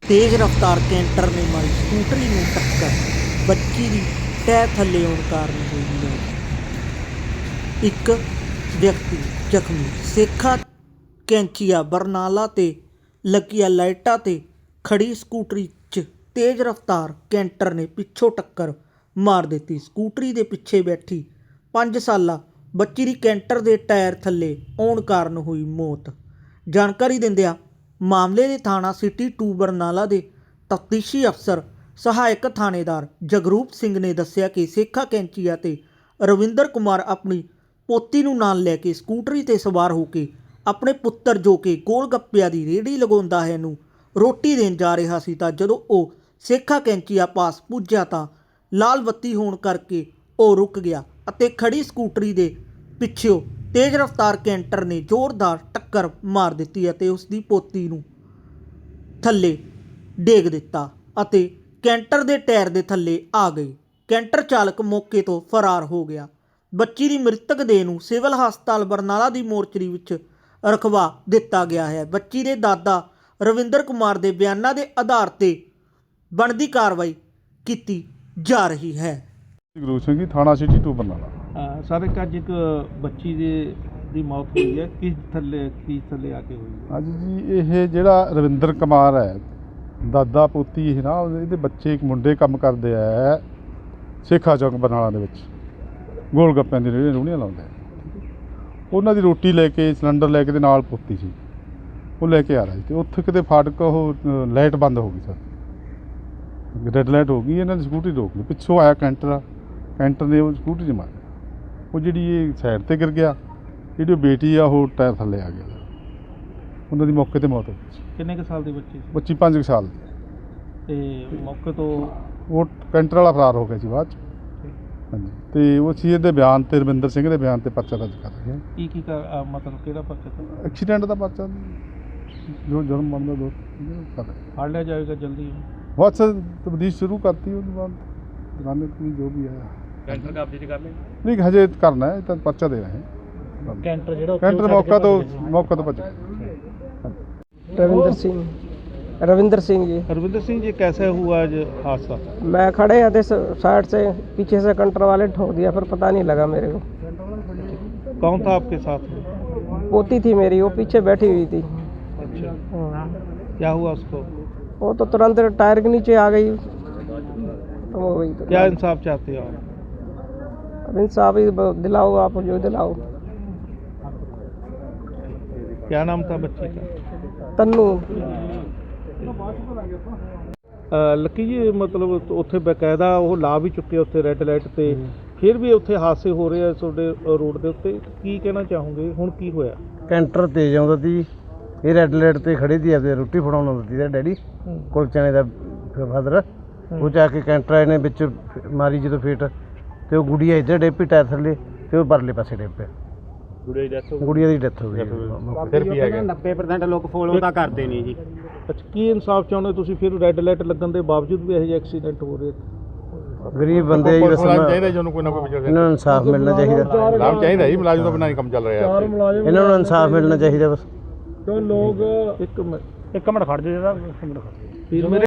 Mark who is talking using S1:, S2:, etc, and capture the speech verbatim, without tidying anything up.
S1: तेज़ रफ्तार कैंटर ने मारी स्कूटरी में टक्कर, बच्ची की टायर थले आने कारण हुई मौत। एक व्यक्ति जख्मी। सेखा कैंचीआ बरनाला ते लगिया लाइटां ते खड़ी स्कूटरी च तेज़ रफ्तार कैंटर ने पिछों टक्कर मार दी। स्कूटरी के पिछे बैठी पाँच साला बच्ची की कैंटर के टायर थले आने कारण हुई मौत। जानकारी दिंदियां मामले के थाना सिटी टू बरनाला के तफ्तीशी अफसर सहायक थानेदार जगरूप सिंह ने दस्सिया कि सेखा कैंचीआ ते रविंदर कुमार अपनी पोती नूं नाल लैके स्कूटरी ते सवार होके अपने पुत्तर जो कि गोल गप्पिया की रेहड़ी लगाउंदा है नूं रोटी देण जा रहा सी तां जदों ਉਹ सेखा कैंचीआ पास पुज्जा तां लाल बत्ती होण करके ਉਹ रुक गया ਅਤੇ खड़ी स्कूटरी ਦੇ ਪਿੱਛੋਂ तेज़ रफ्तार कैंटर ने जोरदार टक्कर मार दी ਅਤੇ ਉਸ ਦੀ ਪੋਤੀ ਨੂੰ ਥੱਲੇ ਡੇਗ ਦਿੱਤਾ ਅਤੇ ਕੈਂਟਰ ਦੇ ਟਾਇਰ ਦੇ ਥੱਲੇ ਆ ਗਈ। ਕੈਂਟਰ ਚਾਲਕ ਮੌਕੇ ਤੋਂ ਫਰਾਰ ਹੋ ਗਿਆ। ਬੱਚੀ ਦੀ ਮ੍ਰਿਤਕ ਦੇਹ ਨੂੰ ਸਿਵਲ ਹਸਪਤਾਲ ਬਰਨਾਲਾ ਦੀ ਮੋਰਚਰੀ ਵਿੱਚ ਰਖਵਾ ਦਿੱਤਾ ਗਿਆ ਹੈ। ਬੱਚੀ ਦੇ ਦਾਦਾ ਰਵਿੰਦਰ ਕੁਮਾਰ ਦੇ ਬਿਆਨਾਂ ਦੇ ਆਧਾਰ ਤੇ ਬਣਦੀ ਕਾਰਵਾਈ ਕੀਤੀ ਜਾ ਰਹੀ ਹੈ।
S2: ਗੁਰੂ ਸਿੰਘ ਜੀ ਥਾਣਾ ਸਿਟੀ ਟੂ ਬਰਨਾਲਾ।
S3: ਸਰ ਇੱਕ ਅੱਜ ਇੱਕ ਬੱਚੀ ਦੇ ਦੀ ਮੌਤ ਹੋਈ ਹੈ, ਕਿਸ ਥੱਲੇ ਕੀ ਥੱਲੇ ਆ ਕੇ ਹੋਈ ਹੈ?
S2: ਅੱਜ ਜੀ ਇਹ ਜਿਹੜਾ ਰਵਿੰਦਰ ਕੁਮਾਰ ਹੈ ਦਾਦਾ ਪੋਤੀ ਇਹ ਨਾ ਇਹਦੇ ਬੱਚੇ ਇੱਕ ਮੁੰਡੇ ਕੰਮ ਕਰਦੇ ਆ ਸੇਖਾ ਚੌਕ ਬਰਨਾਲਾ ਦੇ ਵਿੱਚ ਗੋਲ ਗੱਪਿਆਂ ਦੀ ਰੇਹੜੀਆਂ ਰੂਹਣੀਆਂ ਲਾਉਂਦੇ ਆ। ਉਹਨਾਂ ਦੀ ਰੋਟੀ ਲੈ ਕੇ ਸਿਲੰਡਰ ਲੈ ਕੇ ਤੇ ਨਾਲ ਪੋਤੀ ਸੀ ਉਹ ਲੈ ਕੇ ਆ ਰਿਹਾ ਸੀ ਤੇ ਉੱਥੇ ਕਿਤੇ ਫਾਟਕ ਉਹ ਲਾਈਟ ਬੰਦ ਹੋ ਗਈ ਸਰ, ਰੈੱਡ ਲਾਈਟ ਹੋ ਗਈ। ਇਹਨਾਂ ਦੀ ਸਕੂਟਰੀ ਰੋਕ ਲਈ, ਪਿੱਛੋਂ ਆਇਆ ਕੈਂਟਰ ਕੈਂਟਰ ਨੇ ਉਹ ਸਕੂਟਰੀ 'ਚ ਮਾਰਿਆ। ਉਹ ਜਿਹੜੀ ਇਹ ਸਾਈਡ 'ਤੇ ਗਿਰ ਗਿਆ, ਜਿਹੜੀ ਉਹ ਬੇਟੀ ਆ ਉਹ ਟਾਇਰ ਥੱਲੇ ਆ ਗਿਆ। ਉਹਨਾਂ ਦੀ ਮੌਕੇ 'ਤੇ ਮੌਤ ਹੋ ਗਈ।
S3: ਕਿੰਨੇ ਕੁ ਸਾਲ ਦੀ ਬੱਚੀ ਸੀ?
S2: ਬੱਚੀ ਪੰਜ ਕੁ ਸਾਲ ਦੀ
S3: ਤੇ ਮੌਕੇ ਤੋਂ
S2: ਉਹ ਕੈਂਟਰ ਵਾਲਾ ਫਰਾਰ ਹੋ ਗਿਆ ਸੀ ਬਾਅਦ 'ਚ। ਹਾਂਜੀ, ਅਤੇ ਉਹ ਸੀ ਇਹਦੇ ਬਿਆਨ 'ਤੇ ਰਵਿੰਦਰ ਸਿੰਘ ਦੇ ਬਿਆਨ 'ਤੇ ਪਰਚਾ ਦਰਜ ਕਰ ਰਹੇ ਹਾਂ।
S3: ਕੀ ਕੀ ਕਰ ਅਹ ਮਤਲਬ ਕਿਹੜਾ ਪਰਚਾ ਕਰ
S2: ਐਕਸੀਡੈਂਟ ਦਾ ਪਰਚਾ ਜੋ ਜੁਰਮ ਬਣਦਾ ਦੋ ਕਰ ਰਹੇ
S3: ਫੜ ਲਿਆ ਜਾਏਗਾ ਜਲਦੀ?
S2: ਬਸ ਤਬਦੀਸ਼ ਸ਼ੁਰੂ ਕਰਤੀ ਉਹਦੇ ਬਾਅਦ ਦੁਕਾਨੇ ਤੋਂ ਜੋ ਵੀ ਹੈ
S3: ਕੈਂਟਰ ਕਬਜ਼ੇ 'ਚ ਕਰ ਲਿਆ?
S2: ਨਹੀਂ ਹਜੇ ਕਰਨਾ ਹੈ, ਤਾਂ ਪਰਚਾ ਦੇ ਰਹੇ ਹਾਂ।
S3: ਕੈਂਟਰ ਜਿਹੜਾ
S2: ਕੈਂਟਰ मौका तो मौका तो भज
S4: रविंदर सिंह रविंदर सिंह जी।
S3: रविंदर सिंह जी, कैसे हुआ आज हादसा?
S4: मैं खड़े थे साइड से, पीछे से कंटर वाले ठोक दिया, फिर पता नहीं लगा मेरे को।
S3: कौन था आपके साथ में?
S4: पोती थी मेरी, वो पीछे बैठी हुई थी।
S3: अच्छा,
S4: हाँ।
S3: क्या हुआ उसको?
S4: वो तो तुरंत टायर के नीचे आ गई तो वो वही तो।
S3: क्या इंसाफ चाहते हो आप?
S4: अब इंसाफ ही दिलाओ आप, जो दिलाओ।
S3: क्या नाम था बच्ची का?
S4: तन्नू।
S3: ਲੱਕੀ ਜੀ, ਮਤਲਬ ਉੱਥੇ ਬਕਾਇਦਾ ਉਹ ਲਾ ਵੀ ਚੁੱਕੇ ਉੱਥੇ ਰੈੱਡ ਲਾਈਟ ਤੇ, ਫਿਰ ਵੀ ਉੱਥੇ ਹਾਦਸੇ ਹੋ ਰਹੇ ਆ ਤੁਹਾਡੇ ਰੋਡ ਦੇ ਉੱਤੇ, ਕੀ ਕਹਿਣਾ ਚਾਹੋਗੇ? ਹੁਣ ਕੀ ਹੋਇਆ?
S5: ਕੈਂਟਰ ਤੇਜ਼ ਆਉਂਦਾ ਸੀ, ਇਹ ਰੈੱਡ ਲਾਈਟ ਤੇ ਖੜੀ ਸੀ ਅਤੇ ਰੋਟੀ ਫੜਾਉਣ ਆਉਂਦਾ ਸੀ ਡੈਡੀ ਕੁਲਚਣੇ ਦਾ ਫਾਦਰ। ਉਹ ਜਾ ਕੇ ਕੈਂਟਰ ਆਏ ਨੇ ਵਿੱਚ ਮਾਰੀ ਜਦੋਂ ਫੇਟ, ਤੇ ਉਹ ਗੁੜੀਆ ਇੱਧਰ ਡਿੱਗ ਪਈ ਟਾਇਰ ਥੱਲੇ, ਤੇ ਉਹ ਪਰਲੇ ਪਾਸੇ ਡਿੱਗ ਪਿਆ। ਗੁੜੀਆ ਦੀ ਡੈਥ ਹੋ ਗਈ।
S3: ਫਿਰ ਵੀ ਹੈਗਾ
S6: ਨੱਬੇ ਪ੍ਰਸੈਂਟ ਲੋਕ ਫੋਲੋ ਤਾਂ ਕਰਦੇ ਨਹੀਂ ਜੀ।
S3: ਅੱਛਾ, ਕੀ ਇਨਸਾਫ ਚਾਹੁੰਦੇ ਤੁਸੀਂ? ਫਿਰ ਰੈੱਡ ਲਾਈਟ ਲੱਗਣ ਦੇ ਬਾਵਜੂਦ ਵੀ ਇਹੋ ਜਿਹੇ ਐਕਸੀਡੈਂਟ ਹੋ ਰਹੇ?
S5: ਗਰੀਬ ਬੰਦੇ ਜੀ, ਬਸ
S2: ਚਾਹੀਦਾ ਜਿਹਨੂੰ ਕੋਈ ਨਾ ਕੋਈ
S5: ਇਹਨਾਂ ਨੂੰ ਇਨਸਾਫ ਮਿਲਣਾ ਚਾਹੀਦਾ।
S2: ਲਾਭ ਚਾਹੀਦਾ ਜੀ, ਮੁਲਾਜ਼ਮ ਤੋਂ ਬਿਨਾਂ ਨਹੀਂ ਕੰਮ ਚੱਲ ਰਿਹਾ।
S5: ਇਹਨਾਂ ਨੂੰ ਇਨਸਾਫ ਮਿਲਣਾ ਚਾਹੀਦਾ ਬਸ।
S3: ਕਿਉਂ ਲੋਕ ਇੱਕ ਮਿੰਟ ਇੱਕ ਮਿੰਟ ਖੜ ਜਾਓ ਜਰਾ, ਇੱਕ ਮਿੰਟ ਖੜ ਜਾਓ।